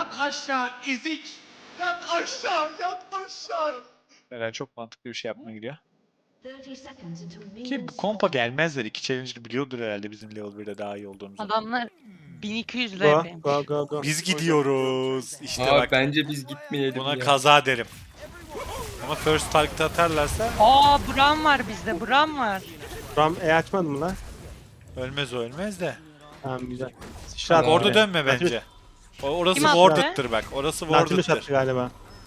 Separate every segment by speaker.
Speaker 1: Yat aşağı ezik. Yat aşağı, yat aşağı. Neler çok mantıklı bir şey yapmaya gidiyor. Ki bu kompa gelmezler. İki challenger biliyordur herhalde bizim level 1'de daha iyi olduğumuzu.
Speaker 2: Adamlar 1200
Speaker 3: Go
Speaker 2: RP'ymiş.
Speaker 3: go go go.
Speaker 1: Biz gidiyoruz. İşte
Speaker 4: Aa,
Speaker 1: bak
Speaker 4: bence biz gitmeyelim
Speaker 1: buna
Speaker 4: ya.
Speaker 1: kaza derim. Ama first target atarlarsa
Speaker 2: Aa, Bram var bizde, Bram var.
Speaker 3: Ram açmadın mı lan?
Speaker 1: ölmez o ölmez de.
Speaker 3: Tamam güzel.
Speaker 1: Bak
Speaker 3: Sıçrat
Speaker 1: orada
Speaker 3: oraya.
Speaker 1: dönme bence. Orası
Speaker 2: Kim attı?
Speaker 1: warded'tır bak. Orası
Speaker 3: Nautilus attı
Speaker 1: warded'tır.
Speaker 3: galiba.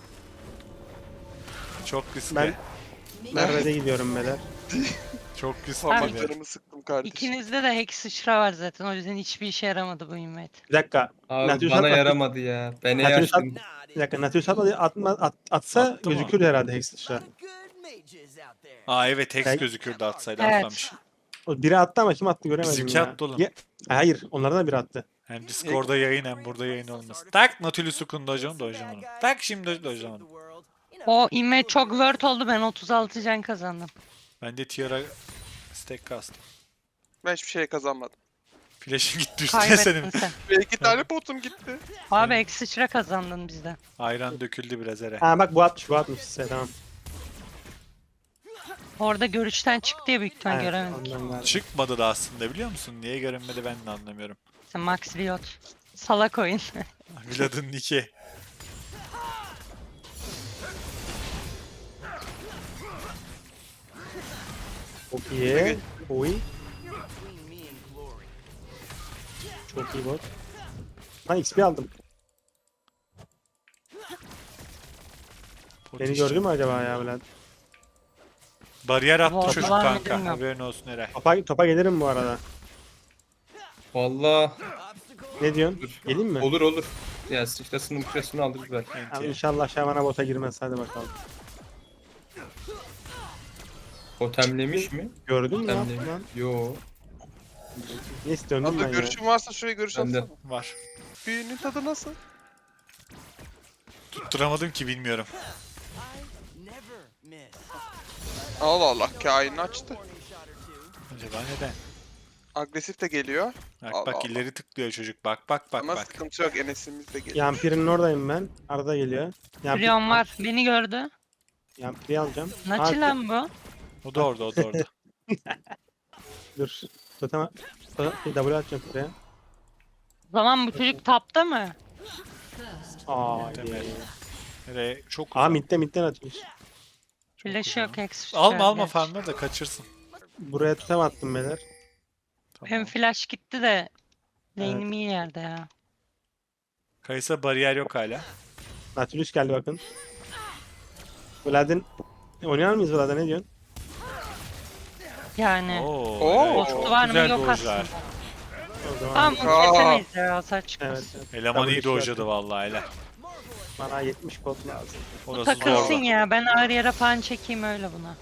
Speaker 1: Çok riskli.
Speaker 3: Ben Merve'de gidiyorum beyler.
Speaker 1: Çok riskli.
Speaker 2: Ben-
Speaker 5: Parmaklarımı sıktım kardeşim.
Speaker 2: İkinizde de Hex sıçra var zaten, o yüzden hiçbir işe yaramadı bu invade.
Speaker 3: Bir dakika.
Speaker 4: Abi
Speaker 3: Nautilus
Speaker 4: bana
Speaker 3: atma.
Speaker 4: yaramadı ya. Ben
Speaker 3: Nautilus at.
Speaker 4: yaştım.
Speaker 3: Bir dakika Nautilus atsa
Speaker 1: Attı mı?
Speaker 3: gözükür herhalde Hex sıçra.
Speaker 1: Aa evet Hex
Speaker 3: Ben-
Speaker 1: gözükürdü atsaydı
Speaker 2: Evet.
Speaker 1: atlamış.
Speaker 3: O biri attı ama kim attı göremedim
Speaker 1: Bizimki
Speaker 3: ya.
Speaker 1: attı oğlum.
Speaker 3: Hayır onlardan da biri attı.
Speaker 1: Hem Discord'da yayın hem burada yayın olmasın. Tak Nautilus'u kundacağım dojacağım onu. Tak şimdi dojacağım onu.
Speaker 2: O invade çok word oldu, ben 36 can kazandım.
Speaker 1: Ben de tiara stack kastım.
Speaker 5: Ben hiçbir şey kazanmadım.
Speaker 1: Flash'in gitti üstüne senin.
Speaker 2: Kaybettin sen.
Speaker 5: Ve 2 tane potum gitti.
Speaker 2: Abi Hex sıçra kazandın bizden.
Speaker 1: Ayran döküldü biraz ere.
Speaker 3: Ha bak bu atmış size tamam.
Speaker 2: Orada görüşten çıktı diye büyük ihtimal
Speaker 3: Aynen,
Speaker 2: göremedik.
Speaker 3: ondan galiba.
Speaker 1: Çıkmadı da aslında biliyor musun? Niye görünmedi ben de anlamıyorum.
Speaker 2: Sen Max Riot. Salak oyun.
Speaker 1: Vlad'ın niki.
Speaker 3: Çok iyi. Oy. Çok iyi bot. Ben XP aldım. Beni gördü mü acaba ya Vlad?
Speaker 1: Bariyer attı
Speaker 2: Vallahi
Speaker 1: çocuk
Speaker 2: var mı
Speaker 1: kanka.
Speaker 2: bilmiyorum.
Speaker 1: Haberin olsun Eray.
Speaker 3: Topa gelirim bu arada.
Speaker 4: Valla
Speaker 3: Ne diyorsun?
Speaker 4: Dur.
Speaker 3: Geleyim mi?
Speaker 4: olur olur. Ya sıçrasını mıçrasını alırız belki.
Speaker 3: Abi inşallah Şaman'a bota girmez. Hadi bakalım.
Speaker 4: Totemlemiş mi?
Speaker 3: Gördün mü? Ne yaptın
Speaker 4: Totemlemiş.
Speaker 3: lan?
Speaker 4: Yo.
Speaker 3: Neyse döndüm
Speaker 5: Abla
Speaker 3: ben ya.
Speaker 5: görüşün varsa şuraya görüş
Speaker 4: Ben de.
Speaker 5: atsana.
Speaker 1: Var.
Speaker 5: Büyünün tadı nasıl?
Speaker 1: Tutturamadım ki bilmiyorum.
Speaker 5: Allah Allah kainini açtı.
Speaker 1: Acaba neden?
Speaker 5: Agresif de geliyor.
Speaker 1: Bak
Speaker 5: Allah
Speaker 1: bak
Speaker 5: Allah.
Speaker 1: ileri tıklıyor çocuk. Bak bak bak
Speaker 5: Ama
Speaker 1: bak.
Speaker 5: sıkıntı yok Enes'imiz de geliyor.
Speaker 3: Yampir'in oradayım ben. Arada geliyor.
Speaker 2: Rion var. Beni gördü.
Speaker 3: Yampir'i alacağım.
Speaker 2: Naçı lan bu.
Speaker 1: O da orada o da orada.
Speaker 3: Dur. Totem W atacağım buraya.
Speaker 2: O zaman bu çocuk tapta mı?
Speaker 3: Aa
Speaker 1: Temel.
Speaker 3: iyi.
Speaker 1: Eray çok
Speaker 3: Aa
Speaker 1: uzak.
Speaker 3: midden atmış.
Speaker 2: Flash
Speaker 1: uzak.
Speaker 2: yok, Hex sıçra.
Speaker 1: Alma alma
Speaker 2: gerçi.
Speaker 1: farmları da kaçırsın.
Speaker 3: Buraya totem attım beyler.
Speaker 1: Tamam.
Speaker 2: Benim flash gitti de lane'im iyi yerde ya.
Speaker 1: Kayısa bariyer yok hala.
Speaker 3: Nautilus geldi bakın. Vlad'ın oynar mıyız Vlad'a ne diyorsun?
Speaker 2: Yani.
Speaker 1: Oo,
Speaker 5: Oo.
Speaker 1: Eray,
Speaker 2: Postu
Speaker 1: çok
Speaker 2: var mı
Speaker 1: güzel
Speaker 2: yok
Speaker 1: dojlar.
Speaker 2: aslında.
Speaker 3: O zaman
Speaker 2: Tamam bunu
Speaker 5: Aa.
Speaker 2: kesemeyiz ya, hasar çıkmaz.
Speaker 3: evet, evet.
Speaker 1: Eleman iyi
Speaker 3: W şey
Speaker 1: dojladı vallahi hele.
Speaker 3: Bana 70 kod lazım.
Speaker 1: Orası
Speaker 2: Takılsın
Speaker 1: zordu.
Speaker 2: ya, ben ağır yere falan çekeyim öyle buna.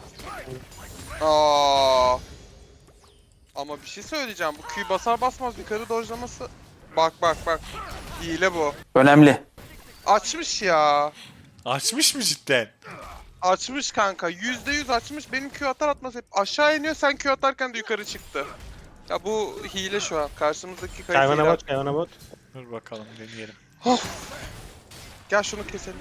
Speaker 5: Aa. Ama bir şey söyleyeceğim. Bu Q basar basmaz yukarı dojlaması. Bak bak bak. Hile bu.
Speaker 6: Önemli.
Speaker 5: Açmış ya.
Speaker 1: Açmış mı cidden?
Speaker 5: Açmış kanka. %100 açmış. Benim Q atar atmaz hep aşağı iniyor. Sen Q atarken de yukarı çıktı. Ya bu hile şu an. Karşımızdaki kayıt
Speaker 3: Kayvana
Speaker 5: hile.
Speaker 3: bot, kayvana bot.
Speaker 1: Dur bakalım deneyelim.
Speaker 5: Gel şunu keselim.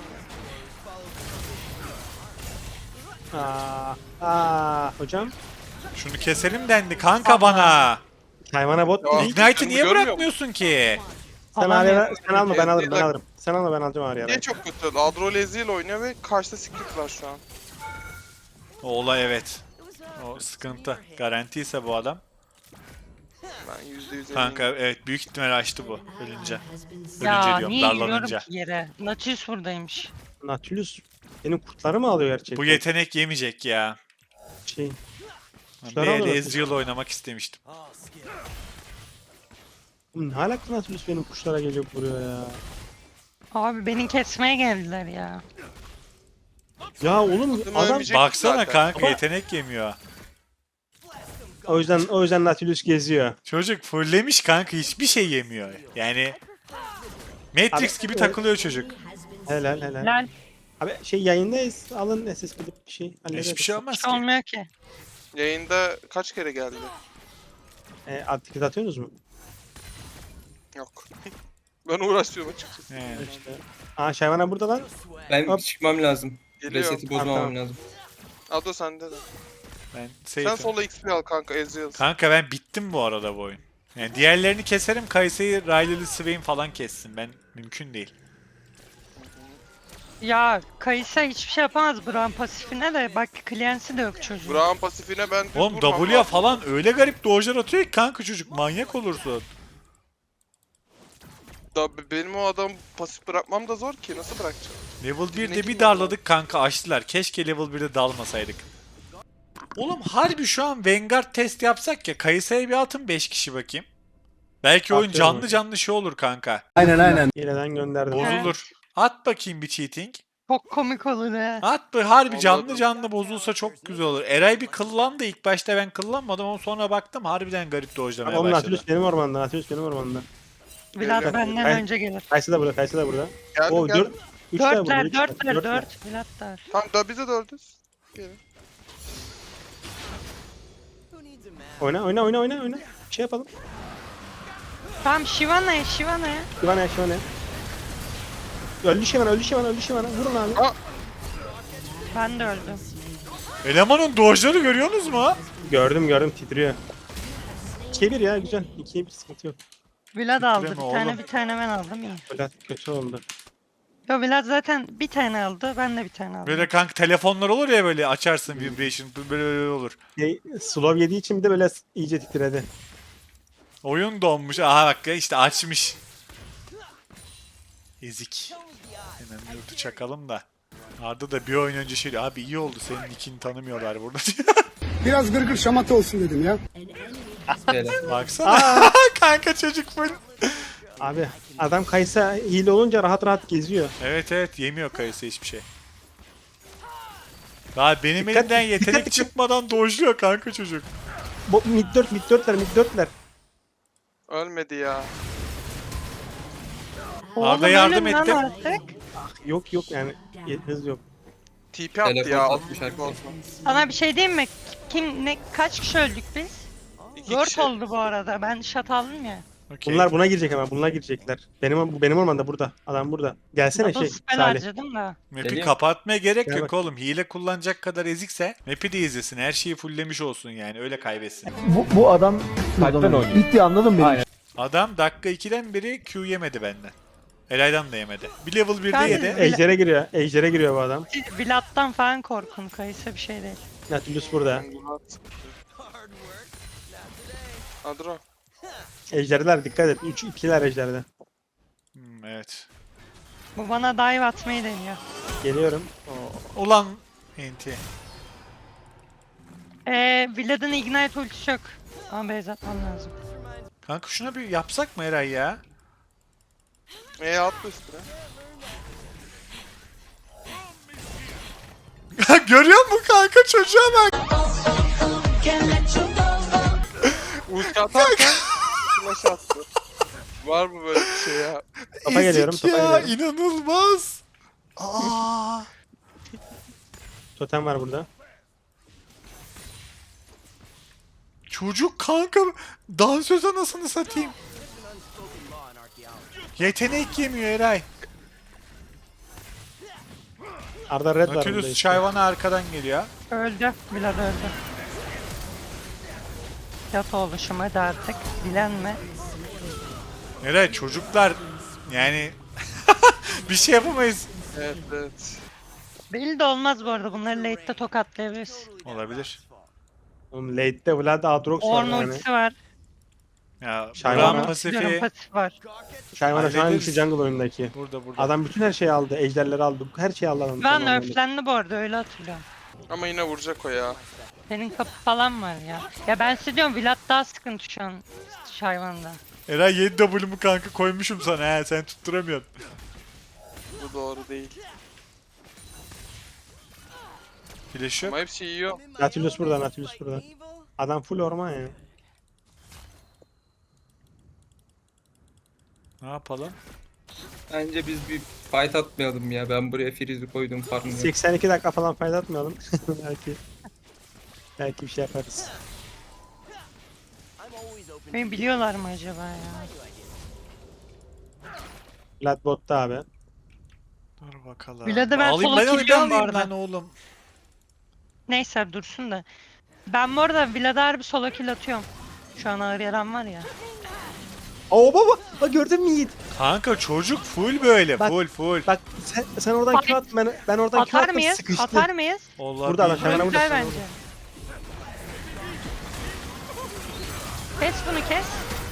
Speaker 3: Hocam.
Speaker 1: Şunu keselim dendi kanka bana.
Speaker 3: Kayvana bot.
Speaker 5: Ya.
Speaker 1: Ignite'ı niye
Speaker 5: Görmüyor
Speaker 1: bırakmıyorsun ki?
Speaker 3: Sen
Speaker 2: Alamıyorum.
Speaker 3: Arya'ya sen alma ben alırım ben
Speaker 5: Ezreal'e-
Speaker 3: alırım. Sen alma ben alacağım Arya'ya.
Speaker 5: Niye çok kötü? Adro Ezreal oynuyor ve karşıda Secret var şu an.
Speaker 1: O olay evet. O sıkıntı. Garanti ise bu adam.
Speaker 5: Ben %100 eminim.
Speaker 1: Kanka evet büyük ihtimal açtı bu ölünce.
Speaker 2: Ya
Speaker 1: Ölünce diyorum
Speaker 2: niye yürüyorum
Speaker 1: darlanınca.
Speaker 2: ki yere? Nautilus buradaymış.
Speaker 3: Nautilus benim kurtları mı alıyor gerçekten?
Speaker 1: Bu yetenek yemeyecek ya.
Speaker 3: Şey.
Speaker 1: Ben
Speaker 3: Kuşları
Speaker 1: bir
Speaker 3: alıyor
Speaker 1: el
Speaker 3: musun?
Speaker 1: Ezreal oynamak istemiştim.
Speaker 3: Oğlum ne alaka Nautilus benim kuşlara gelip vuruyor ya.
Speaker 2: Abi beni kesmeye geldiler ya.
Speaker 3: Ya oğlum
Speaker 5: Adam
Speaker 3: adam
Speaker 5: ölmeyecek
Speaker 1: Baksana
Speaker 5: zaten.
Speaker 1: kanka
Speaker 3: Ama-
Speaker 1: yetenek yemiyor.
Speaker 3: o yüzden Nautilus geziyor.
Speaker 1: Çocuk fulllemiş kanka hiçbir şey yemiyor. Yani Matrix
Speaker 3: Abi,
Speaker 1: gibi
Speaker 3: evet.
Speaker 1: takılıyor çocuk.
Speaker 3: Helal.
Speaker 2: Lan
Speaker 3: Abi şey yayındayız. Alın SS gidip bir şey hallederiz.
Speaker 1: Hiçbir şey olmaz
Speaker 2: hiç
Speaker 1: ki.
Speaker 2: olmuyor ki.
Speaker 5: Yayında kaç kere geldi?
Speaker 3: Aktivite atıyorsunuz mu?
Speaker 5: Yok. Ben uğraşıyorum açıkçası.
Speaker 1: He.
Speaker 3: İşte. Aa Şayvana burada lan.
Speaker 4: Ben
Speaker 3: Hop.
Speaker 4: çıkmam lazım.
Speaker 5: Geliyor.
Speaker 4: Reseti bozmamam
Speaker 3: Tamam.
Speaker 4: lazım.
Speaker 5: Ado sende de.
Speaker 1: Ben
Speaker 5: Sen
Speaker 1: safe'im.
Speaker 5: sola XP al kanka Ezreal.
Speaker 1: Kanka ben bittim bu arada bu oyun. Yani diğerlerini keserim, Kayse'yi, Riley'li Swain falan kessin. Ben mümkün değil.
Speaker 2: Ya Kayısa hiçbir şey yapamaz Braum pasifine de. Bak Clancy de yok çocuğun.
Speaker 5: Brown pasifine ben düz
Speaker 1: Oğlum
Speaker 5: vurmam
Speaker 1: W'ya
Speaker 5: lazım.
Speaker 1: falan öyle garip dojlar atıyor ki kanka çocuk. Manyak olursun.
Speaker 5: Benim o adam pasif bırakmam da zor ki. Nasıl bırakacağım?
Speaker 1: Level 1'de bir
Speaker 5: kim
Speaker 1: darladık kanka açtılar. Keşke level 1'de dalmasaydık. Oğlum harbi şu an Vanguard test yapsak ya. Kayısı'ya bir atın 5 kişi bakayım. Belki oyun
Speaker 3: Atıyorum
Speaker 1: canlı
Speaker 3: hocam.
Speaker 1: canlı şey olur kanka.
Speaker 3: Hileden gönderdim.
Speaker 1: Bozulur. At bakayım bir cheating.
Speaker 2: Çok komik olur ha.
Speaker 1: At bir harbi canlı
Speaker 5: Anladım.
Speaker 1: canlı bozulsa çok güzel olur. Eray bir kıllandı. İlk başta ben kıllanmadım ama sonra baktım harbiden garip dojlamaya
Speaker 3: Oğlum
Speaker 1: başladı.
Speaker 3: Nautilus benim ormanda. Nautilus benim ormanda.
Speaker 2: Vlad
Speaker 5: Geliyor.
Speaker 2: benden
Speaker 3: Ben-
Speaker 2: önce gelir.
Speaker 3: Kayısı da burada. Kayısı da burada.
Speaker 5: Geldim
Speaker 3: Oo
Speaker 5: geldim.
Speaker 3: 4. 3 tane burada.
Speaker 2: Dörtler,
Speaker 3: üç tane,
Speaker 2: dörtler,
Speaker 3: dörtler.
Speaker 2: dört. Vlad da var.
Speaker 5: Tamam da bize dördüz. Gelin.
Speaker 3: Oyna oyna oyna oyna oyna. Şey yapalım.
Speaker 2: Tamam Shivana'ya, Shivana'ya.
Speaker 3: Şivana Şivana. Öldü Şivana öldü Şivana öldü Şivana. Vurun abi.
Speaker 2: Ben de öldüm.
Speaker 1: Elemanın dojları görüyorsunuz mu?
Speaker 3: Gördüm gördüm titriyor. 2'ye 1 ya güzel. 2'ye 1 sıkıntı yok.
Speaker 2: Vlad aldı
Speaker 1: Titreme
Speaker 2: bir tane,
Speaker 1: oğlum.
Speaker 2: bir tane ben aldım iyi.
Speaker 3: Böyle kötü oldu.
Speaker 2: Yo Vlad zaten bir tane aldı, ben de bir tane aldım.
Speaker 1: Böyle kanka telefonlar olur ya böyle açarsın vibration böyle olur.
Speaker 3: Slow yediği için bir de böyle iyice titredi.
Speaker 1: Oyun donmuş. Aha bak ya işte açmış. Ezik. Hemen bir ulti çakalım da. Arda da bir oyun önce şey diyor. Abi iyi oldu senin nickini tanımıyorlar burada diyor.
Speaker 6: Biraz gırgır şamata olsun dedim ya.
Speaker 4: Böyle.
Speaker 1: Baksana. Kanka çocuk full.
Speaker 3: Abi adam Kaysa hile olunca rahat rahat geziyor.
Speaker 1: Evet evet yemiyor kayısı hiçbir şey. Daha benim
Speaker 3: Dikkat-
Speaker 1: elimden yetenek
Speaker 3: dikkat-
Speaker 1: çıkmadan dojluyor kanka çocuk.
Speaker 3: Bu mid 4 mid 4'ler mid 4'ler.
Speaker 5: Ölmedi ya.
Speaker 1: Arda yardım
Speaker 2: ölün lan
Speaker 1: etti.
Speaker 2: artık.
Speaker 3: Yok yok yani hız yok.
Speaker 5: TP attı
Speaker 4: Telefon
Speaker 5: ya.
Speaker 4: atmış arkadaşlar.
Speaker 5: Olsun.
Speaker 2: Sana bir şey diyeyim mi? Kim ne kaç kişi öldük biz?
Speaker 5: İki
Speaker 2: 4
Speaker 5: kişi.
Speaker 2: oldu bu arada. Ben şat aldım ya.
Speaker 1: Okey.
Speaker 3: Bunlar buna girecek ama bunlar girecekler. Benim ormanda burada. Adam burada. Gelsene
Speaker 2: Double
Speaker 3: şey
Speaker 2: spell
Speaker 3: Salih.
Speaker 2: harcadım da.
Speaker 1: Map'i
Speaker 4: Geliyor.
Speaker 1: kapatmaya gerek
Speaker 3: Gel
Speaker 1: yok
Speaker 3: bak.
Speaker 1: oğlum. Hile kullanacak kadar ezikse map'i de izlesin. Her şeyi fulllemiş olsun yani. Öyle kaybetsin.
Speaker 7: Bu adam bitti anladın mı?
Speaker 1: Adam dakika 2'den beri Q yemedi benden. Eray'dan da yemedi. Bir level 1'de
Speaker 2: Ben-
Speaker 1: yedi.
Speaker 3: Ejder'e giriyor. Ejder'e giriyor bu adam.
Speaker 2: Siz Vlad'dan falan korkun. Kayısa bir şey değil.
Speaker 3: Nautilus burada.
Speaker 5: Adro.
Speaker 3: Ejderler dikkat et. 3 2'ler Ejder'de.
Speaker 1: Evet.
Speaker 2: Bu bana dive atmayı deniyor.
Speaker 3: Geliyorum.
Speaker 1: Ulan enti.
Speaker 2: Vlad'ın ignite ultisi yok. Ama base atmam lazım.
Speaker 1: Kanka şuna bir yapsak mı Eray ya?
Speaker 5: Atla üstüne.
Speaker 1: Görüyor musun kanka çocuğa bak.
Speaker 5: Ulti atarken flash attı. Var mı böyle bir şey ya?
Speaker 3: Topa geliyorum,
Speaker 1: Ezik
Speaker 3: topa
Speaker 1: ya
Speaker 3: geliyorum.
Speaker 1: inanılmaz. Aa.
Speaker 3: Totem var burada.
Speaker 1: Çocuk kanka dansöz anasını satayım. Yetenek yemiyor Eray.
Speaker 3: Arda red var burada
Speaker 1: Nautilus
Speaker 3: işte.
Speaker 1: Şayvan'a arkadan geliyor.
Speaker 2: Öldü. Vlad öldü. Yat oğluşum hadi artık. Dilenme.
Speaker 1: Eray çocuklar yani bir şey yapamayız.
Speaker 5: Evet evet.
Speaker 2: Belli de olmaz bu arada. Bunları late'de tokatlayabiliriz.
Speaker 1: Olabilir.
Speaker 3: Oğlum late'de Vlad Aatrox var
Speaker 2: Ornn
Speaker 3: yani.
Speaker 2: ultisi var.
Speaker 1: Ya
Speaker 3: Şayvan
Speaker 1: Braum
Speaker 3: var.
Speaker 2: Diyorum,
Speaker 1: pasifi
Speaker 2: pasif var.
Speaker 3: Şayvana şu an
Speaker 1: Hallederiz.
Speaker 3: şu jungle oyundaki.
Speaker 1: burada.
Speaker 3: Adam bütün her şeyi aldı. Ejderleri aldı. Her şeyi aldı adam.
Speaker 2: Ben
Speaker 3: Tamam,
Speaker 2: nerflendi bu arada öyle hatırlıyorum.
Speaker 5: Ama yine vuracak o ya.
Speaker 2: Senin kapı falan var ya. Ya ben size diyorum Vlad daha sıkıntı şu an Şayvan'da.
Speaker 1: Eray 7 W'mu kanka koymuşum sana he sen tutturamıyorsun.
Speaker 5: Bu doğru değil.
Speaker 1: Flash yok.
Speaker 5: Ama hepsi yiyor.
Speaker 3: Nautilus burada, Nautilus burada. Adam full orman ya.
Speaker 1: Ne yapalım?
Speaker 4: Bence biz bir fight atmayalım ya. Ben buraya Freeze'i koydum farmı.
Speaker 3: 82 dakika falan fayda atmayalım. belki bir şey yaparız.
Speaker 2: Beni biliyorlar mı acaba ya?
Speaker 3: Vlad botta abi.
Speaker 1: Dur bakalım.
Speaker 2: Vlad'ı ben
Speaker 1: Alayım,
Speaker 2: solo
Speaker 1: ben onu bir
Speaker 2: killiyorum bu
Speaker 1: alayım
Speaker 2: arada.
Speaker 1: lan oğlum.
Speaker 2: Neyse dursun da. Ben bu arada Vlad'a harbi solo kill atıyorum. Şu an ağır yaram var ya.
Speaker 3: Oo baba. Bak gördün mü Yiğit?
Speaker 1: Kanka çocuk full böyle.
Speaker 3: Bak-
Speaker 1: full.
Speaker 3: Bak sen oradan Q at, ben oradan Q
Speaker 2: Atar
Speaker 3: attım,
Speaker 2: mıyız?
Speaker 3: sıkıştı.
Speaker 2: Atar mıyız?
Speaker 1: Allah
Speaker 3: Burada adam,
Speaker 1: bilmiyorum.
Speaker 3: hemen
Speaker 2: Güzel
Speaker 3: burada.
Speaker 2: bence. Kes bunu kes.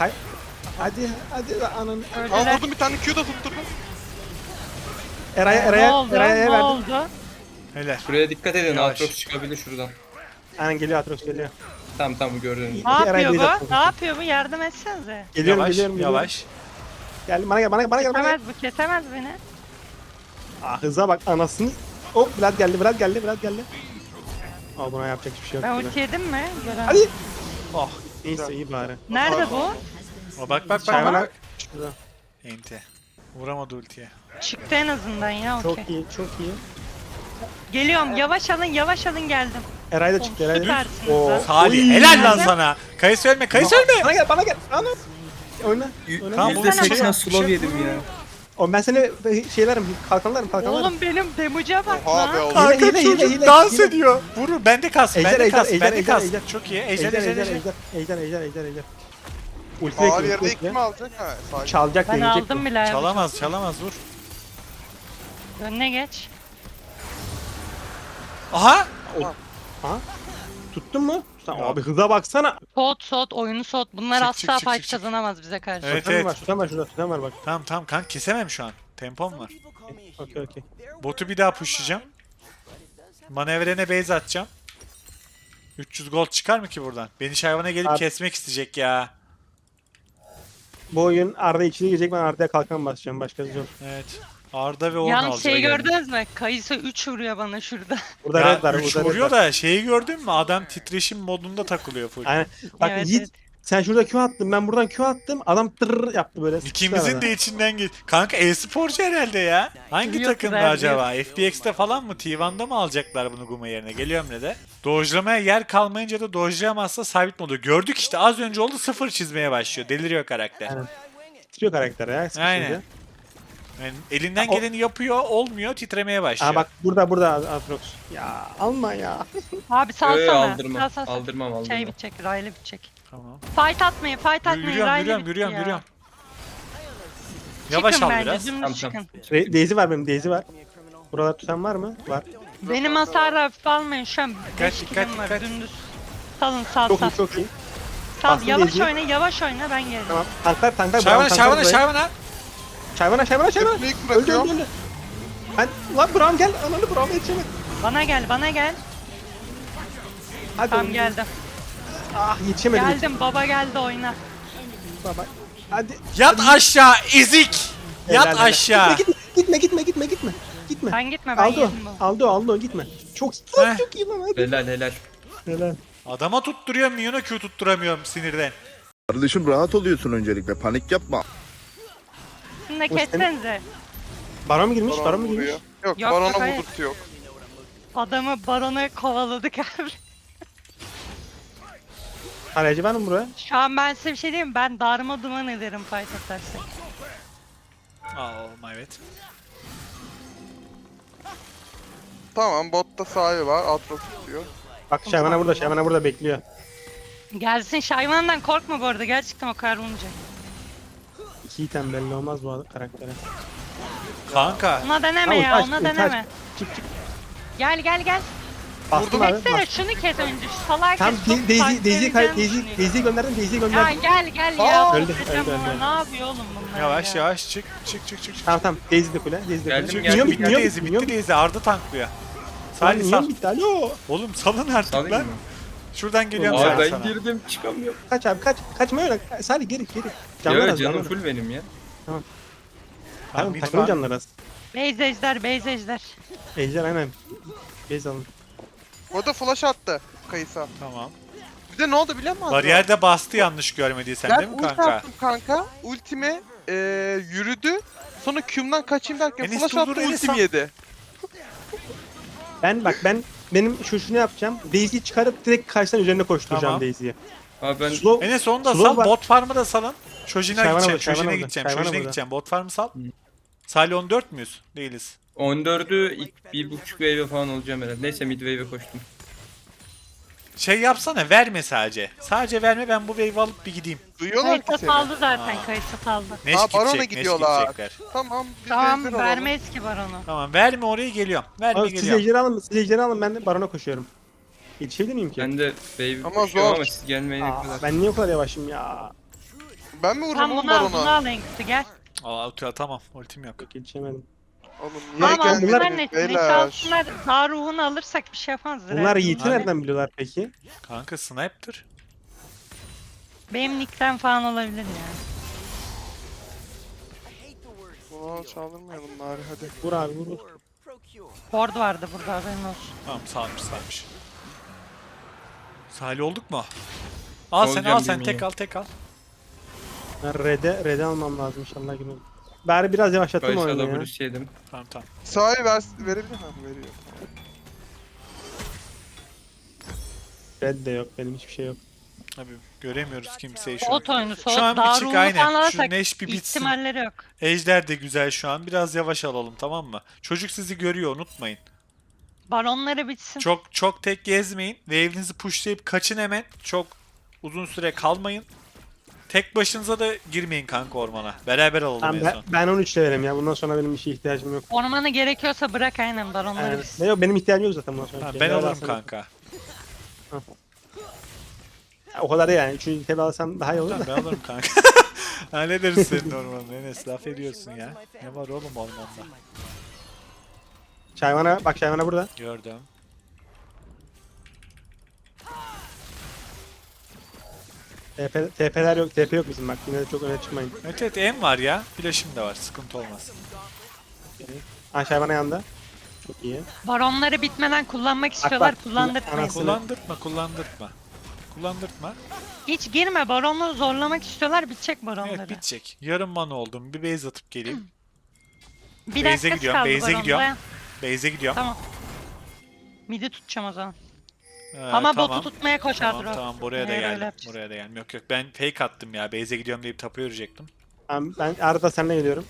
Speaker 3: Hadi ananı.
Speaker 5: Aa
Speaker 2: Öldüler.
Speaker 5: vurdum bir tane Q da tutturdum.
Speaker 2: Ne
Speaker 3: Eray'a
Speaker 2: oldu?
Speaker 3: Eray'a
Speaker 2: Ne
Speaker 3: verdim.
Speaker 2: oldu?
Speaker 1: Helal.
Speaker 4: Şuraya dikkat edin.
Speaker 1: Yavaş.
Speaker 4: Aatrox çıkabilir şuradan.
Speaker 3: Aynen geliyor Atrox geliyor.
Speaker 4: Tamam bu gördüğünüz.
Speaker 2: Ne
Speaker 3: Eray
Speaker 2: yapıyor
Speaker 3: Bey'de
Speaker 2: bu?
Speaker 3: atladı.
Speaker 2: Ne yapıyor bu? Yardım etsenize.
Speaker 3: Geliyorum
Speaker 1: Yavaş,
Speaker 3: geliyorum.
Speaker 1: yavaş.
Speaker 3: Gel bana gel.
Speaker 2: Kesemez bu, kesemez beni.
Speaker 3: Ah hıza bak anasını. Hop Vlad geldi. Al buna yapacak hiçbir şey yok.
Speaker 2: Ben
Speaker 3: gibi.
Speaker 2: ulti yedim mi? Gören.
Speaker 3: Hadi. Oh neyse iyi bari.
Speaker 2: Nerede bu?
Speaker 1: O bak.
Speaker 3: Şayvana. Şurada.
Speaker 1: Enti. Vuramadı ultiye.
Speaker 2: Çıktı en azından ya
Speaker 3: Çok
Speaker 2: okey.
Speaker 3: iyi çok iyi.
Speaker 2: Geliyorum yavaş alın geldim.
Speaker 3: Eray da çıktı Eray da.
Speaker 2: Süpersiniz
Speaker 3: Oo.
Speaker 2: lan.
Speaker 1: Salih
Speaker 3: Oy.
Speaker 1: helal lan sana. Kayısı ölme.
Speaker 3: Bana gel. Ana. Oyna.
Speaker 1: Tamam, bu
Speaker 2: Yüzde
Speaker 1: bir şey
Speaker 2: seksen
Speaker 1: yok.
Speaker 4: slow yedim ya.
Speaker 3: Oğlum ben seni şeylerim kalkanlarım.
Speaker 2: Oğlum benim damage'a bak
Speaker 5: Oha
Speaker 2: lan.
Speaker 5: be oğlum.
Speaker 1: Kanka
Speaker 3: Hile,
Speaker 1: çocuk
Speaker 3: hile,
Speaker 1: dans
Speaker 3: hile.
Speaker 1: ediyor. Vurur. Bende kas.
Speaker 3: Ejder,
Speaker 1: Bende kas.
Speaker 3: ejder,
Speaker 1: Bende
Speaker 3: ejder,
Speaker 1: kas.
Speaker 3: ejder.
Speaker 1: Çok iyi. Ejder.
Speaker 3: Ejder. Ulti
Speaker 5: Ağır
Speaker 3: bekle,
Speaker 5: yerde
Speaker 3: ulti
Speaker 5: kim
Speaker 3: bekle.
Speaker 5: alacak? Ha sakin.
Speaker 3: Çalacak
Speaker 2: Ben
Speaker 3: deneyecek.
Speaker 2: aldım bile.
Speaker 1: Çalamaz vur.
Speaker 2: Önüne geç.
Speaker 1: Aha.
Speaker 3: Tuttun mu? Sen
Speaker 1: Ya.
Speaker 3: abi hıza baksana.
Speaker 2: Soğut oyunu soğut. Bunlar
Speaker 1: Çık,
Speaker 2: asla
Speaker 1: çık,
Speaker 2: fight
Speaker 1: çık, çık.
Speaker 2: kazanamaz bize karşı.
Speaker 1: Evet.
Speaker 3: Tutan var şurada tutan var bak.
Speaker 1: Tamam kanka kesemem şu an. Tempom var.
Speaker 3: Okey.
Speaker 1: Botu bir daha pushlayacağım. Manevrene base atacağım. 300 gold çıkar mı ki buradan? Beni hayvana gelip
Speaker 3: Abi-
Speaker 1: kesmek isteyecek ya.
Speaker 3: Bu oyun Arda içine girecek, ben Arda'ya kalkan basacağım, başkası yok.
Speaker 1: Evet. Arda ve Orn
Speaker 2: Yalnız
Speaker 1: alacak.
Speaker 2: şeyi
Speaker 1: yani.
Speaker 2: gördünüz mü? Kayısı 3 vuruyor bana şurada.
Speaker 3: Burada
Speaker 1: Ya
Speaker 3: red var,
Speaker 1: 3
Speaker 3: burada red
Speaker 1: vuruyor
Speaker 3: var.
Speaker 1: da şeyi gördün mü? Adam titreşim modunda takılıyor full.
Speaker 3: Aynen. Bak
Speaker 2: Evet,
Speaker 3: Yiğit,
Speaker 2: evet.
Speaker 3: sen şurada Q attın, ben buradan Q attım, adam tırr yaptı böyle. sıkıştı
Speaker 1: İkimizin
Speaker 3: arada.
Speaker 1: de içinden geç. Kanka e-sporcu herhalde ya. Hangi
Speaker 2: Biliyor
Speaker 1: takımda
Speaker 2: kızlar,
Speaker 1: acaba? FPX'te falan mı? T1'da mı alacaklar bunu Guma yerine? Geliyorum ne de. Dojlamaya yer kalmayınca da dojlayamazsa sabit modu. Gördük işte az önce oldu, 0 çizmeye başlıyor. Deliriyor karakter.
Speaker 3: Aynen. Titriyor karakter ya, sıkışınca.
Speaker 1: Aynen. Yani elinden
Speaker 3: O-
Speaker 1: geleni yapıyor, olmuyor, titremeye başlıyor.
Speaker 3: Aa bak burada Atrox. Ya alma ya.
Speaker 2: Abi salsana.
Speaker 4: Aldırmam.
Speaker 2: Sal.
Speaker 4: Aldırmam.
Speaker 2: Şey bitecek, Riley bitecek.
Speaker 1: Tamam.
Speaker 2: Fight atmayın. Riley bitti ya.
Speaker 1: Yürüyorum. Yavaş
Speaker 2: Çıkın
Speaker 1: al
Speaker 2: bence,
Speaker 1: biraz.
Speaker 2: dümdüz
Speaker 4: Tamam.
Speaker 2: çıkın.
Speaker 3: Daisy var benim, Daisy var. Buralar tutan var mı? Var.
Speaker 2: Benim hasarı hafife almayın şu an. 5
Speaker 1: Dikkat,
Speaker 2: kilim var
Speaker 1: dikkat.
Speaker 2: dümdüz. Salın sal.
Speaker 3: Çok iyi.
Speaker 2: Sal
Speaker 3: Bastım
Speaker 2: yavaş
Speaker 3: Daisy'yi.
Speaker 2: yavaş oyna ben gelirim.
Speaker 3: Tamam. Tanklar.
Speaker 1: Şayvana.
Speaker 3: Çayvana.
Speaker 5: Teknik bırakıyorum.
Speaker 3: Öldü. Lan Braum gel. Ananı Braum'a yetişemedi.
Speaker 2: Bana gel.
Speaker 3: Hadi
Speaker 2: Tamam
Speaker 3: oğlum.
Speaker 2: geldim.
Speaker 3: Ah yetişemedim.
Speaker 2: Geldim baba geldi oyna.
Speaker 3: Baba. Hadi.
Speaker 1: Yat aşağı, ezik. Yat
Speaker 3: Helal.
Speaker 1: aşağı.
Speaker 3: Gitme.
Speaker 2: Ben gitme ben
Speaker 3: Aldo.
Speaker 2: yedim bu.
Speaker 3: Aldo gitme. Çok
Speaker 1: Heh.
Speaker 3: çok iyi lan hadi.
Speaker 4: Helal.
Speaker 3: Helal.
Speaker 1: Adama tutturuyorum, Minyon'a Q tutturamıyorum sinirden.
Speaker 8: Kardeşim rahat oluyorsun öncelikle. Panik yapma.
Speaker 2: Şunu da
Speaker 3: O senin-
Speaker 2: kessenize.
Speaker 3: Baron mu girmiş? Baron mu girmiş?
Speaker 5: vuruyor. Yok,
Speaker 2: Yok,
Speaker 5: barona
Speaker 2: hayır.
Speaker 5: vurdurtu yok.
Speaker 2: Adamı barona kovaladık abi.
Speaker 3: Aracı var mı buraya?
Speaker 2: Şu an ben size bir şey diyeyim mi? Ben darma duman ederim fight atarsak.
Speaker 1: Evet.
Speaker 5: Tamam botta sahibi var. Atlas tutuyor.
Speaker 3: Bak Şayvana burada bekliyor.
Speaker 2: Gelsin Şayvan'dan korkma bu arada gerçekten o kadar olmayacak.
Speaker 3: İki item belli olmaz bu karaktere.
Speaker 1: Kanka.
Speaker 2: Ona deneme
Speaker 3: Tamam,
Speaker 2: ya
Speaker 3: kaç,
Speaker 2: ona
Speaker 3: kaç.
Speaker 2: deneme.
Speaker 3: Çık.
Speaker 2: Gel.
Speaker 3: Bastım abi.
Speaker 2: Kessene şunu kes önce şu salak
Speaker 3: Tam
Speaker 2: kes, çok
Speaker 3: Daisy'yi
Speaker 2: fightlayacağını düşünüyor.
Speaker 3: Daisy'yi gönderdim. Daisy'yi
Speaker 2: Ya
Speaker 3: gönderdim.
Speaker 2: gel ya.
Speaker 3: Öldü,
Speaker 2: Hocam
Speaker 3: öldü.
Speaker 2: Ne yapıyor oğlum bunlar
Speaker 1: Yavaş
Speaker 2: ya?
Speaker 1: yavaş çık.
Speaker 3: Tamam. Daisy de kule.
Speaker 4: Geldim,
Speaker 3: Minyon
Speaker 1: Bitti
Speaker 3: minyon
Speaker 1: Daisy,
Speaker 3: minyon.
Speaker 1: bitti Daisy. Arda tanklıyor. Salih
Speaker 3: Minyon
Speaker 1: sal.
Speaker 3: bitti. Alo.
Speaker 1: Oğlum salın artık
Speaker 4: Salayım
Speaker 1: lan.
Speaker 4: mı?
Speaker 1: Şuradan geliyorum
Speaker 4: Abi
Speaker 1: Salih
Speaker 4: ben
Speaker 1: sana.
Speaker 4: girdim çıkamıyorum.
Speaker 3: Kaç abi kaç. Kaçma öyle. Salih geri. Canlar
Speaker 4: Ya
Speaker 3: az.
Speaker 4: canım
Speaker 3: Canlar.
Speaker 4: full benim ya.
Speaker 1: Tamam,
Speaker 3: Tamam
Speaker 1: mid
Speaker 3: takımın
Speaker 1: var.
Speaker 3: canları az.
Speaker 2: Base ejder.
Speaker 3: Ejder aynen. Base alın.
Speaker 5: Orada flash attı Kayısa.
Speaker 1: Tamam.
Speaker 5: Bir de ne oldu biliyor musun?
Speaker 1: Bariyerde bastı yanlış görmediysen
Speaker 5: Ben
Speaker 1: değil mi
Speaker 5: ulti
Speaker 1: kanka?
Speaker 5: attım kanka. Ultime yürüdü. Sonra Q'mdan kaçayım derken
Speaker 1: Enes
Speaker 5: flash
Speaker 1: durdur,
Speaker 5: attı
Speaker 1: Enes
Speaker 5: ultim
Speaker 1: al.
Speaker 5: yedi.
Speaker 3: Benim şunu yapacağım. Daisy'yi çıkarıp direkt karşıdan üzerine koşturacağım
Speaker 1: Tamam.
Speaker 3: Daisy'yi.
Speaker 4: Abi ben
Speaker 3: Slow.
Speaker 1: Enes onu da
Speaker 3: Slow
Speaker 1: sal.
Speaker 3: var.
Speaker 1: Bot farm'ı da salın. Şojin'e
Speaker 3: Şayvana
Speaker 1: gideceğim.
Speaker 3: burada, Şayvana
Speaker 1: Şojin'e
Speaker 3: burada,
Speaker 1: gideceğim.
Speaker 3: Şayvana
Speaker 1: Şojin'e
Speaker 3: burada.
Speaker 1: gideceğim. Bot farm'ı sal. Salih 14 müyüz? Değiliz.
Speaker 4: 14'ü ilk 1.5 wave falan olacağım herhalde. Neyse mid wave'e koştum.
Speaker 1: Şey yapsana, verme sadece. Sadece verme, ben bu wave alıp bir gideyim.
Speaker 5: Duyuyorlar ki
Speaker 2: Kayısa
Speaker 5: seni.
Speaker 2: saldı zaten, kayısa saldı.
Speaker 1: Neş
Speaker 5: Aa, Baron'a
Speaker 1: gidecek, Neş
Speaker 5: gidiyorlar.
Speaker 1: gidecekler.
Speaker 5: Tamam. Biz
Speaker 2: Tamam,
Speaker 5: ejder alalım.
Speaker 2: vermeyiz ki baronu.
Speaker 1: Tamam, verme orayı, geliyorum. Verme,
Speaker 3: Abi, siz
Speaker 1: geliyorum.
Speaker 3: ejderi alın, siz ejderi alın, ben de barona koşuyorum. Yetişebilir miyim ki?
Speaker 4: Ben de wave
Speaker 5: Ama
Speaker 4: koşuyorum
Speaker 5: zor.
Speaker 4: ama siz gelmeyene
Speaker 3: Aa,
Speaker 4: kadar.
Speaker 3: ben niye o kadar yavaşım ya?
Speaker 5: Ben mi vurayım
Speaker 2: Tamam,
Speaker 5: oğlum
Speaker 2: bunu al, bunu
Speaker 5: Baron'a?
Speaker 2: al en kötü, gel.
Speaker 1: Aa, ulti tamam, ultim yok.
Speaker 3: Yok, yetişemedim.
Speaker 5: Oğlum niye
Speaker 2: Tamam, alsınlar
Speaker 5: gelmediniz
Speaker 2: net.
Speaker 5: beyler?
Speaker 2: Net alsınlar. Daha ruhunu alırsak bir şey yapamaz.
Speaker 3: Bunlar
Speaker 2: Red
Speaker 3: Yiğit'i
Speaker 2: Bull'u.
Speaker 3: nereden biliyorlar peki?
Speaker 1: Kanka sniper.
Speaker 2: Benim nickten falan olabilir yani.
Speaker 5: Bunu çaldırmayalım bari hadi.
Speaker 3: Vur abi vur.
Speaker 2: Ford vardı burada, haberin olsun.
Speaker 1: Tamam, sağmış. Salih olduk mu? Al sen,
Speaker 4: Olacağım
Speaker 1: al sen,
Speaker 4: bilmiyorum.
Speaker 1: tek al.
Speaker 3: Ben red'e almam lazım inşallah günü. Bari biraz yavaşlattım
Speaker 4: Başta
Speaker 3: oyunu ya.
Speaker 4: W'si yedim.
Speaker 1: Tamam.
Speaker 5: Sahi verebilir miyim? Veriyor.
Speaker 3: Red de yok, benim hiçbir şey yok.
Speaker 1: Abi göremiyoruz kimseyi şu an.
Speaker 2: Ot oyunu,
Speaker 1: Şu an bir
Speaker 2: daha
Speaker 1: çık,
Speaker 2: ruhunu
Speaker 1: aynen.
Speaker 2: falan
Speaker 1: Şu
Speaker 2: alırsak
Speaker 1: Neş bir bitsin.
Speaker 2: ihtimalleri yok.
Speaker 1: Ejder de güzel şu an. Biraz yavaş alalım, tamam mı? Çocuk sizi görüyor, unutmayın.
Speaker 2: Baronları bitsin.
Speaker 1: Çok tek gezmeyin. Wave'inizi pushlayıp kaçın hemen. Çok uzun süre kalmayın. Tek başınıza da girmeyin kanka ormana. Beraber alalım
Speaker 3: Tamam,
Speaker 1: en son.
Speaker 3: ben 13 levelim ya. Bundan sonra benim bir şeye ihtiyacım yok.
Speaker 2: Ormanı gerekiyorsa bırak, aynen baronları
Speaker 3: Yani,
Speaker 2: bitsin.
Speaker 3: yok, benim ihtiyacım yok zaten bundan sonra.
Speaker 1: Ha,
Speaker 3: Level
Speaker 1: ben alırım
Speaker 3: alsam-
Speaker 1: kanka.
Speaker 3: Ya, o kadar da yani. 3. level alsam daha iyi olur
Speaker 1: Tamam,
Speaker 3: da.
Speaker 1: ben alırım kanka. Hallederiz senin ormanını. Enes laf ediyorsun ya. Ne var oğlum ormanda?
Speaker 3: Şayvana bak, Şayvana burada.
Speaker 1: Gördüm.
Speaker 3: TP'ler yok, TP yok bizim bak. Yine de çok öne çıkmayın.
Speaker 1: Evet M var ya. Flash'ım da var. Sıkıntı olmaz.
Speaker 3: Ha, Şayvana yanında. Çok iyi.
Speaker 2: Baronları bitmeden kullanmak istiyorlar,
Speaker 3: bak,
Speaker 2: kullandırtmayın.
Speaker 3: anasını-
Speaker 1: Kullandırtma.
Speaker 2: Hiç girme, baronu zorlamak istiyorlar, bitecek baronları.
Speaker 1: Evet, bitecek. Yarım mana oldum. Bir base atıp geleyim.
Speaker 2: Bir
Speaker 1: Base'e
Speaker 2: dakikası
Speaker 1: gidiyorum,
Speaker 2: kaldı
Speaker 1: base'e
Speaker 2: baronda.
Speaker 1: gidiyorum. Base'e gidiyorum.
Speaker 2: Tamam. Midi tutacağım o zaman. Ama
Speaker 1: Tamam.
Speaker 2: botu tutmaya koş
Speaker 1: Tamam
Speaker 2: Adro.
Speaker 1: buraya da
Speaker 2: Eğer öyle
Speaker 1: geldim.
Speaker 2: yapacağız.
Speaker 1: Buraya da geldim. Yok ben fake attım ya. Base'e gidiyorum deyip tapu yürüyecektim.
Speaker 3: Tamam, ben arada seninle geliyorum.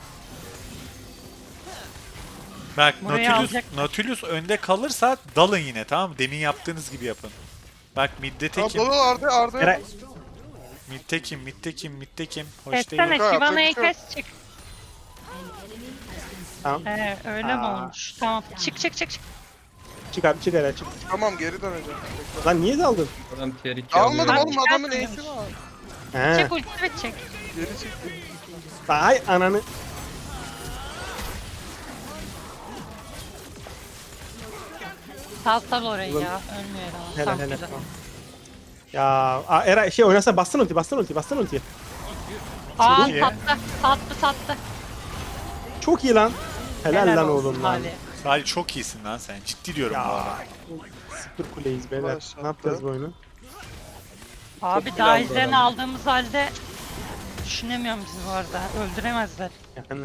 Speaker 1: Bak
Speaker 2: Burayı alacak.
Speaker 1: Nautilus önde kalırsa dalın yine, tamam mı? Demin yaptığınız gibi yapın. Bak midde tekim.
Speaker 5: Ablalı Arda.
Speaker 3: Eray,
Speaker 1: Midtekim. Hoş
Speaker 2: Kessene,
Speaker 1: değil.
Speaker 5: Yok,
Speaker 2: Şivana'yı
Speaker 5: yapacak bir
Speaker 2: kes, çık.
Speaker 3: tamam.
Speaker 2: Öyle mi
Speaker 3: Aa.
Speaker 2: olmuş? Tamam, çık.
Speaker 3: Çık abi, çık Eray, çık.
Speaker 5: Tamam geri döneceğim.
Speaker 3: Lan niye daldın?
Speaker 4: Adam tier 2
Speaker 5: Almadım
Speaker 4: alıyor.
Speaker 5: oğlum adamın ace'i var.
Speaker 3: He.
Speaker 2: Çık, ulti bitecek.
Speaker 5: Geri çıktı.
Speaker 3: Ay ananı.
Speaker 2: Sal orayı ya, ölmüyor herhalde.
Speaker 3: Helal
Speaker 2: Tamam,
Speaker 3: helal.
Speaker 2: güzel.
Speaker 3: Tamam. Ya Eray şey oynasa bastın ulti.
Speaker 2: Aa,
Speaker 1: iyi.
Speaker 2: sattı.
Speaker 3: Çok iyi lan. Helal lan
Speaker 2: olsun
Speaker 3: oğlum lan.
Speaker 2: Salih.
Speaker 1: Salih çok iyisin lan sen. Ciddi diyorum bu
Speaker 3: Ya.
Speaker 1: arada.
Speaker 3: Sıfır kuleyiz beyler.
Speaker 5: Başlattı.
Speaker 3: Ne yapacağız bu oyunu?
Speaker 2: Abi daha izlerini aldığımız halde düşünemiyorum bizi bu arada. Öldüremezler.
Speaker 3: Yani.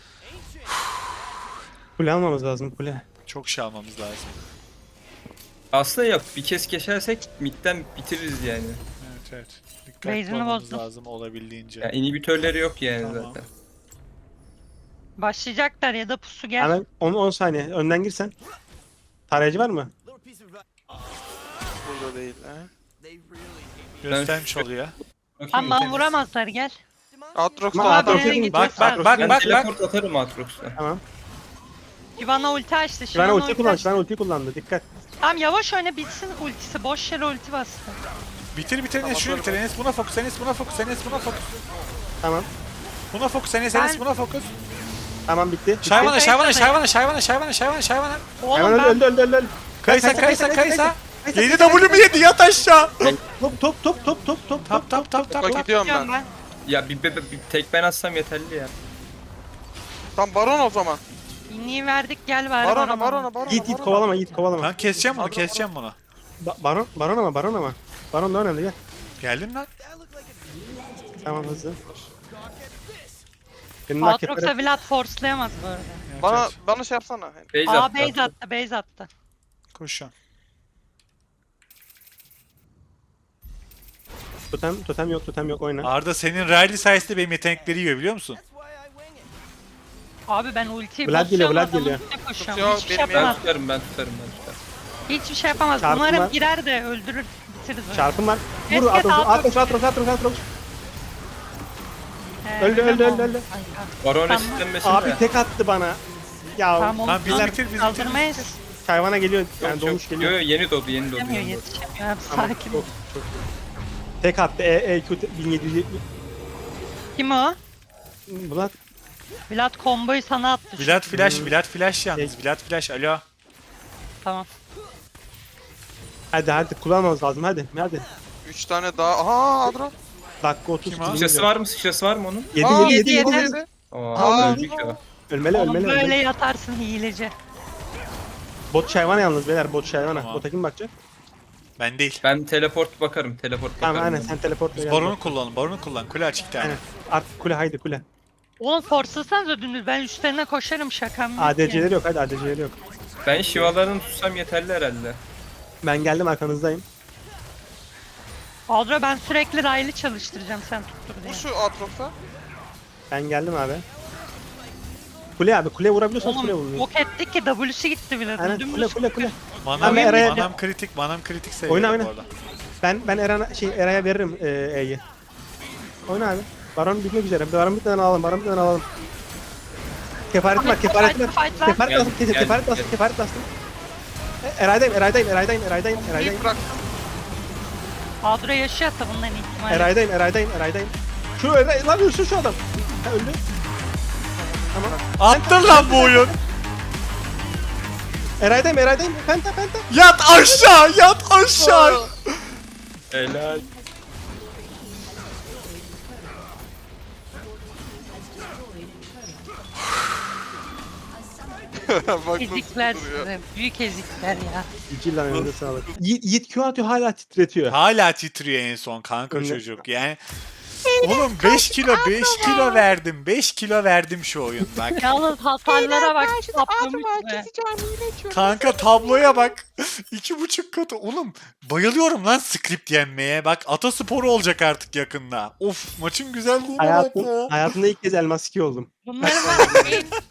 Speaker 3: Kule almamız lazım, kule.
Speaker 1: Çok şey almamız lazım.
Speaker 4: Aslında yok. Bir kez geçersek midden bitiririz yani.
Speaker 1: Evet. Dikkatli
Speaker 2: Base'ini
Speaker 1: olmamız
Speaker 2: bozdum.
Speaker 1: lazım olabildiğince.
Speaker 4: Yani inhibitörleri yok yani
Speaker 1: Tamam.
Speaker 4: zaten.
Speaker 2: Başlayacaklar ya da pusu gel.
Speaker 3: Hemen 10 saniye önden girsen. Tarayıcı var mı?
Speaker 5: Burada değil ha.
Speaker 1: Göstermiş oluyor.
Speaker 2: Aman vuramazlar, gel.
Speaker 5: Aatrox
Speaker 3: Ama
Speaker 5: da
Speaker 3: Aatrox
Speaker 5: adam.
Speaker 3: yok.
Speaker 1: Bak
Speaker 4: Ben
Speaker 1: bak.
Speaker 4: teleport atarım Aatrox'la.
Speaker 3: Tamam.
Speaker 2: Şivana ulti açtı.
Speaker 3: Şivana ulti kullandı,
Speaker 2: açtı.
Speaker 3: Şivana ulti kullandı. Dikkat.
Speaker 2: Tamam, yavaş oyna, bitsin ultisi. Boş yere ulti bastı.
Speaker 1: Bitir Enes şunu bitir. Enes buna fokus. Enes buna fokus.
Speaker 3: Tamam.
Speaker 1: Buna fokus Enes
Speaker 2: Ben-
Speaker 1: buna fokus.
Speaker 3: Tamam bitti.
Speaker 1: Şayvana.
Speaker 2: Oğlum
Speaker 3: Hemen
Speaker 2: ben
Speaker 3: öldü.
Speaker 1: Kaysa.
Speaker 3: Kaysa.
Speaker 1: Yedi W mu yedi? Yat aşağı.
Speaker 3: Top.
Speaker 5: Bak gidiyorum
Speaker 2: diyorum
Speaker 5: ben.
Speaker 4: Ya bir tek ben atsam yeterli ya.
Speaker 5: Tam Baron o zaman.
Speaker 2: İnliği verdik, gel bari
Speaker 5: Barona.
Speaker 3: Git kovalama.
Speaker 1: Lan keseceğim bunu.
Speaker 3: Baron ama. Baron da önemli gel.
Speaker 1: Geldin lan.
Speaker 3: Tamam hızlı. Benim rakiplerim
Speaker 2: Aatrox'a Vlad forcelayamaz bu arada.
Speaker 1: Evet.
Speaker 5: Bana şey yapsana.
Speaker 4: Base
Speaker 2: Aa,
Speaker 4: attı.
Speaker 2: base attı.
Speaker 1: Koşuyorum.
Speaker 3: totem yok oyna.
Speaker 1: Arda senin Riley sayesinde benim yetenekleri yiyor biliyor musun?
Speaker 2: Abi ben ultiyi
Speaker 3: Vlad geliyor,
Speaker 2: basıyorum,
Speaker 3: Vlad
Speaker 2: adamın
Speaker 3: geliyor.
Speaker 2: üstüne koşuyorum.
Speaker 5: Tutuyor,
Speaker 2: Hiçbir şey
Speaker 5: benim
Speaker 2: yapamaz.
Speaker 4: Ben tutarım, ben tutarım.
Speaker 2: Hiçbir şey yapamaz.
Speaker 3: Çarpı
Speaker 2: Umarım
Speaker 3: var.
Speaker 2: girer de öldürür, bitiririz oyunu.
Speaker 3: Çarpım var.
Speaker 2: Evet,
Speaker 3: Vur
Speaker 2: evet,
Speaker 3: Atros. Öldü.
Speaker 2: Kanka.
Speaker 4: Baron
Speaker 2: Tamam.
Speaker 4: resitlenmesin
Speaker 3: Abi
Speaker 4: de.
Speaker 3: tek attı bana. Ya
Speaker 2: Tamam oğlum.
Speaker 1: Tamam, biz bitir, biz
Speaker 2: Kaldırmayız.
Speaker 3: hayvana geliyor. Yani
Speaker 4: Yok,
Speaker 3: dolmuş
Speaker 4: yok.
Speaker 3: geliyor.
Speaker 4: Yo, yeni doğdu.
Speaker 2: Yetişemiyor, yetişemiyor. Abi
Speaker 3: Tamam,
Speaker 2: sakin ol.
Speaker 3: çok iyi. Tek attı. EQ 1770.
Speaker 2: Kim o?
Speaker 3: Vlad.
Speaker 2: Vlad komboyu sana attı. şu-
Speaker 1: Vlad flash yalnız. Vlad flash. Alo.
Speaker 2: Tamam.
Speaker 3: Hadi kullanmamız lazım hadi.
Speaker 5: 3 tane daha. Aha Adro.
Speaker 3: Dakika 30.
Speaker 1: Kim o?
Speaker 4: Sıçrası var mı? Sıçrası var mı onun?
Speaker 3: 7
Speaker 5: Aa,
Speaker 3: 7
Speaker 2: yedi,
Speaker 3: 7
Speaker 2: yedi.
Speaker 3: 7.
Speaker 4: Aa, öldük ya.
Speaker 3: Ölmeli
Speaker 2: Oğlum
Speaker 3: ölmeli.
Speaker 2: böyle
Speaker 3: ölmeli.
Speaker 2: yatarsın hileci.
Speaker 3: Bot şayvana yalnız beyler bot şayvana.
Speaker 1: Tamam.
Speaker 3: Bota kim bakacak?
Speaker 1: Ben değil.
Speaker 4: Ben teleport bakarım. Teleport bakarım.
Speaker 3: Tamam aynen
Speaker 4: ben.
Speaker 3: sen teleportla gel.
Speaker 1: Baronu kullan. Baronu kullan. Kule açık bir tane.
Speaker 3: Aynen. Artık kule haydi kule.
Speaker 2: Oğlum forslasanız ödünüz. Ben üstlerine koşarım, şakam yok
Speaker 3: ADC'leri yok hadi ADC'leri yok.
Speaker 4: Ben şivalarını tutsam yeterli herhalde.
Speaker 3: Ben geldim arkanızdayım.
Speaker 2: Adro ben sürekli raylı çalıştıracağım sen tuttur diye.
Speaker 5: Bu şu Atros'a.
Speaker 3: Ben geldim abi. Kule abi kule vurabiliyorsan kule
Speaker 2: Oğlum
Speaker 3: vuruyor.
Speaker 2: yok ettik ki W'si gitti bile.
Speaker 3: Aynen
Speaker 2: Dümdüz
Speaker 3: kule.
Speaker 1: Manam,
Speaker 3: Abi Eray'a-
Speaker 1: manam kritik. Manam kritik seviyorum
Speaker 3: Oyna.
Speaker 1: bu arada.
Speaker 3: Ben Eray'a veririm E'yi. Oyna abi. Baron bitmek üzere. Baron bitmeden alalım. Kefaret var.
Speaker 2: Fight var.
Speaker 3: Kefaret bastım.
Speaker 4: Gel,
Speaker 3: Kefaret bastım. Eraydayım.
Speaker 5: İlk bıraktım.
Speaker 2: Adro yaşıyorsa bundan ihtimalle.
Speaker 3: Eraydayım. Şu Eray lan ölsün şu adam. Ha öldü.
Speaker 1: Attın lan bu oyun.
Speaker 3: Eraydayım. Penta.
Speaker 1: Yat aşağı.
Speaker 4: Helal.
Speaker 5: Bak nasıl
Speaker 2: Ezikler
Speaker 5: duruyor.
Speaker 2: size. Büyük ezikler ya.
Speaker 3: Cilden önünde sağlık. Yiğit Q atıyor hala titretiyor.
Speaker 1: Hala titriyor en son kanka
Speaker 3: Önde-
Speaker 1: çocuk. Yani oğlum 5 kilo verdim. 5 kilo verdim şu oyun bak.
Speaker 2: Yalnız hasarlara bak. Saplamış be.
Speaker 1: Kanka tabloya bak. 2,5 katı. Oğlum bayılıyorum lan script yenmeye. Bak Atasporu olacak artık yakında. Of maçın güzelliğine bak ya.
Speaker 3: Hayatımda ilk kez elmas 2 oldum.
Speaker 2: Bunların var ya,